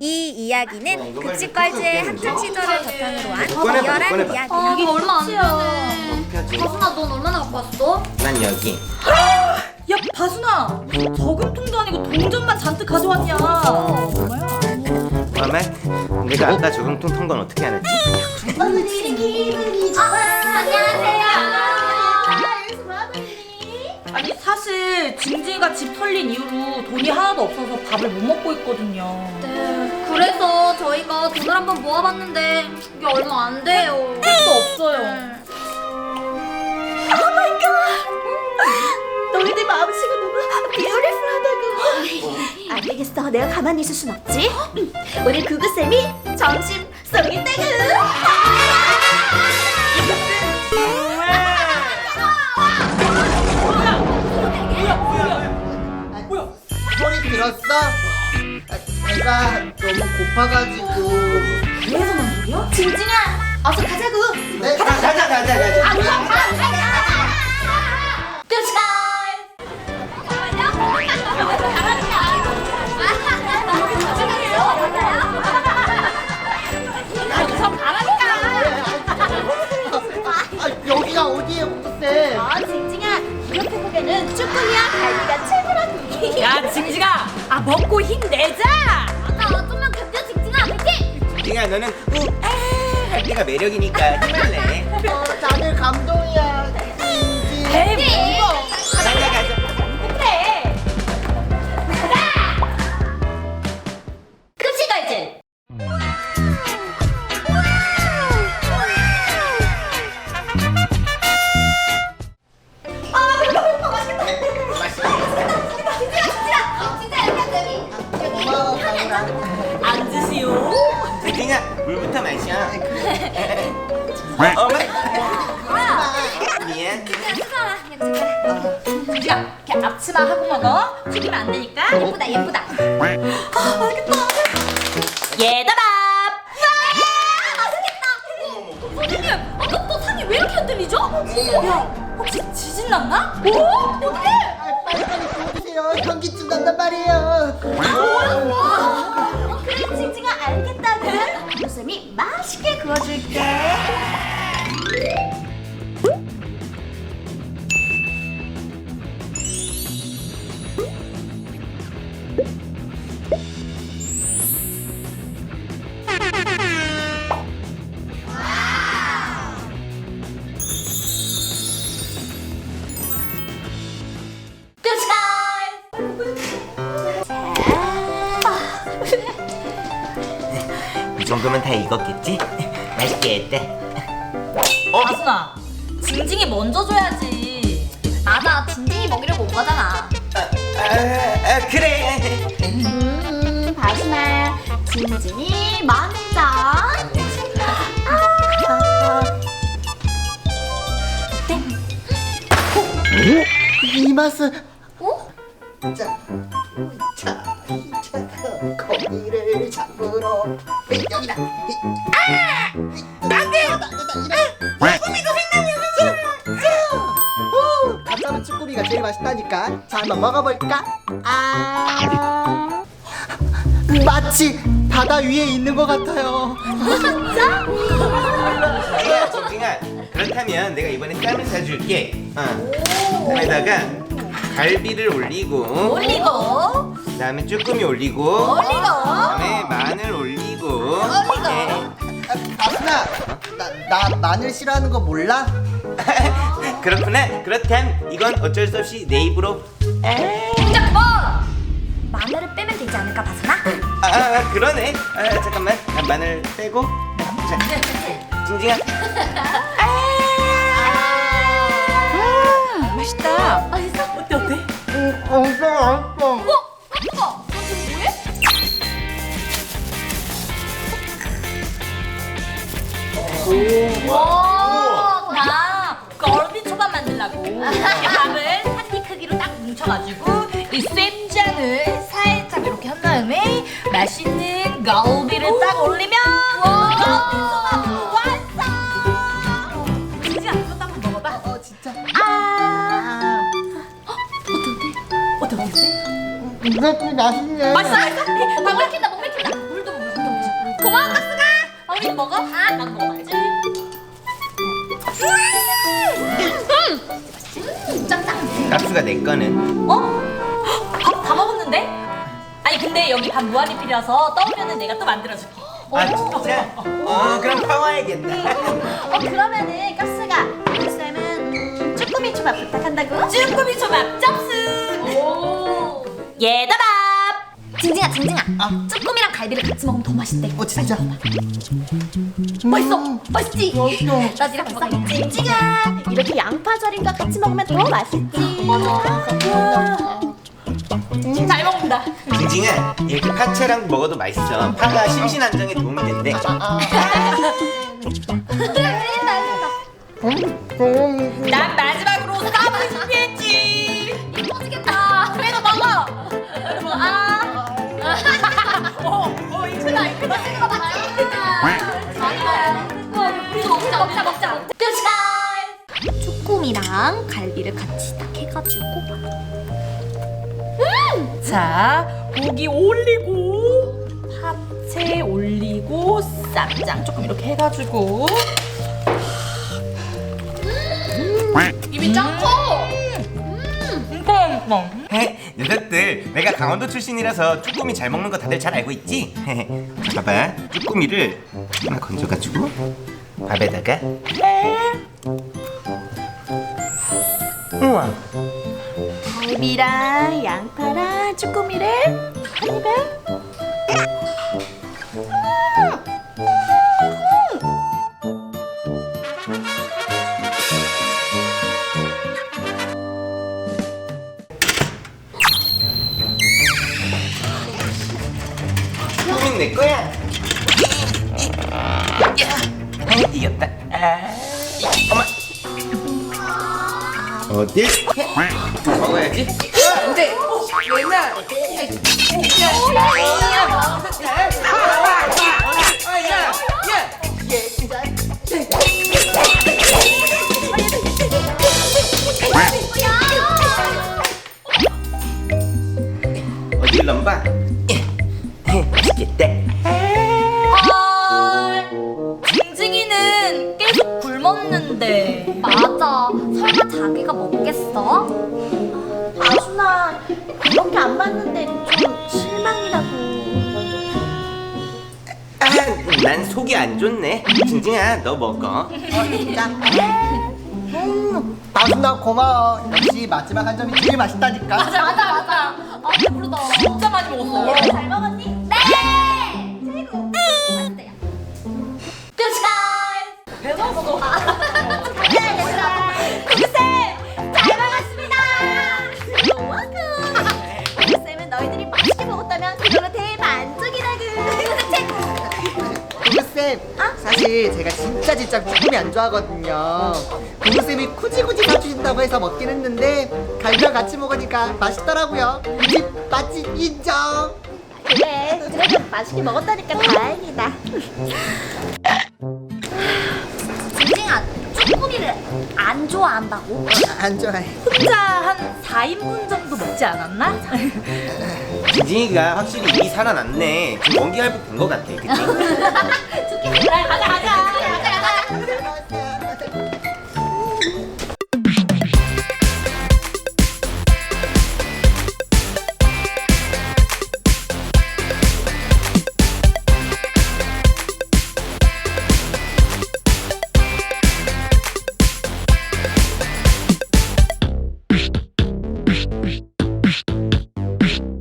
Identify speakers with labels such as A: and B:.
A: 이 이야기는 급식걸즈의 학창 시절을 바탕으로 한
B: 꺼내봐,
A: 리얼한
B: 꺼내봐.
A: 이야기야.
C: 이게 얼마 안 되네.
B: 어떻게 하지?
C: 가순아, 넌 얼마나 갖고 왔어?
B: 난 여기.
D: 야 바순아, 저금통도 아니고 동전만 잔뜩 가져왔냐? 뭐야?
B: 그러면 내가 아까 저금통 턴 건 어떻게 알았지?
C: 안녕하세요.
D: 아니 사실 징징이가 집 털린 이후로 돈이 하나도 없어서 밥을 못 먹고 있거든요.
C: 네, 그래서 저희가 돈을 한번 모아봤는데 이게 얼마 안 돼요.
D: 택도 없어요.
E: 너희들 마음씨가 너무 뷰티풀하다고. 안 되겠어. 내가 가만히 있을 순 없지. 오늘 구구쌤이 점심 쏘겠다구.
F: 소리 들었어? 배가 너무 고파가지고.
D: 그래서 난 소리야?
E: 징징아, 어서 가자구.
F: 네, 가자. 여기가 어디예요, 구구쌤?
E: 징징아, 기억해보게는 쭈꾸미와 갈비가 최고라고.
D: 야 징징아, 아 먹고 힘내자.
C: 맞아, 좀만 견뎌, 징징아. 화이팅!
B: 징징아 너는 할 때가 매력이니까 힘을내.
F: 다들 감동이야.
D: 에이 뭐.
B: 가자 가자.
E: 급식걸즈.
F: 고마워, 가을아.
D: 앉으시오.
B: 징징아 물부터 마셔. 어머. 미안.
D: 징징아, 이렇게 앞치마 하고 먹어. 튀기면 안 되니까.
C: 예쁘다, 예쁘다.
D: 얘들아.
C: 선생님, 아까 또 상이 왜 이렇게 안 들리죠?
D: 야, 혹시 지진 났나?
C: 어떡해?
F: 빨리 구워주세요. 현기증 난단 말이에요.
E: 그래, 징징아, 알겠다구. 구구쌤이 맛있게 구워줄게.
B: 이 정도면 다 익었겠지? 맛있겠다.
D: 바순아, 징징이 먼저 줘야지.
C: 맞아, 징징이 먹이려고 온 거잖아.
B: 그래.
E: 바순아, 징징이 먼저.
F: 이 맛은.
C: 어?
F: 자, 거미를 잡으러 여기다. 가짜는 쭈꾸미가 제일 맛있다니까. 자, 한번 먹어볼까? 마치 바다 위에 있는 것 같아요.
B: 야, 징징아. 그렇다면 내가 이번에 쌈을 사줄게. 그다음에다가 갈비를 올리고, 그다음에 쭈꾸미 올리고, 그다음에 마늘 올리고.
F: 아순아, 나 마늘 싫어하는 거 몰라?
B: 그렇구나. 그렇다면 이건 어쩔 수 없이 내 입으로.
C: 진짜 그만! 마늘을 빼면 되지 않을까, 바순아?
B: 그러네. 잠깐만. 마늘 빼고. 자, 징징아.
D: 맛있다.
C: 맛있어?
D: 어때 어때?
F: 엄청 맛있어.
C: 바순아, 너 지금 뭐해?
D: 와, 나 걸비 초밥 만들라고. 이 밥을 한 끼 크기로 딱 뭉쳐가지고 이 쌤장을 살짝 이렇게 한 다음에 맛있는 갈비를 딱 올리면 걸비 초밥 완성. 진지야, 이것도 한번 먹어봐.
F: 진짜.
D: 어때?
F: 이것도 맛있네.
D: 맛있어?
C: 목 맥힌다, 목 맥힌다. 물도
D: 자기도 먹어? 나도 먹어봐야지.
B: 깝수가 내 거는.
D: 밥 다 먹었는데? 아니 근데 여기 밥 무한리필이라서 떠오면은 내가 또 만들어줄게.
B: 아 진짜? 그럼 파와야겠다.
E: 그러면은 깝스가 쌤은 쭈꾸미 초밥 부탁한다고?
D: 쭈꾸미 초밥 접수. 얘들아.
C: 징징아 쭈꾸미랑 갈비를 같이 먹으면 더 맛있대.
F: 진짜?
C: 맛있어 맛있지? 나 니랑 먹어야지.
E: 징징아 이렇게 양파절임과 같이 먹으면 더 맛있지.
D: 잘 먹는다.
B: 징징아, 이렇게 파채랑 먹어도 맛있어. 파가 심신 안정에 도움이 된대.
D: 난 마지막으로 쌈을 준비했지.
C: 이거 터지겠다.
D: 그래도 먹어. 이거 크다.
C: 우리도 먹자. 쭈꾸미랑 갈비를 같이 딱 해가지고.
D: 자, 고기 올리고 파채 올리고 쌈장 조금 이렇게 해가지고. 입이 짱 커.
B: 녀석들, 내가 강원도 출신이라서 쭈꾸미 잘 먹는 거 다들 잘 알고 있지? 자, 봐봐. 쭈꾸미를 하나 건져가지고 밥에다가. 우와.
E: 갈비랑 양파랑 쭈꾸미를 한 입에.
B: 쭈꾸미는 내 거야. 이겼다. 엄마. 어디? 먹어야지. 어딜 넘봐? 맛있겠다.
D: 징징이는 계속 굶었는데.
C: 맞아. 설마 자기가 먹겠어?
E: 아순아 그렇게 안 봤는데 좀 실망이라고.
B: 난 속이 안 좋네. 징징아, 너 먹어.
F: 아순아 고마워. 역시 마지막 한 점이 제일 맛있다니까.
C: 맞아. 배부르다.
D: 진짜 많이 먹었어.
E: 잘 먹었니?
C: 네. 최고. 맛있대요.
D: 배고파서.
E: 구구쌤 잘 먹었습니다. 우와구. 구구쌤은 너희들이 맛있게 먹었다면 그걸로 대만족이라고.
F: 구구쌤, 사실 제가 진짜 쭈꾸미 안 좋아하거든요. 구구쌤이 굳이 사주신다고 해서 먹긴 했는데 갈비랑 같이 먹으니까 맛있더라고요. 이 집 맛집 인정.
E: 그래 그래도 맛있게 먹었다니까 다행이다.
C: 징징아 쭈꾸미를 안 좋아한다고?
F: 안 좋아해.
D: 혼자 한 4인분 정도 먹지 않았나?
B: 징징이가 확실히 입이 살아났네. 지금 원기 회복된 것 같아. 그치?
D: 그래, 가자.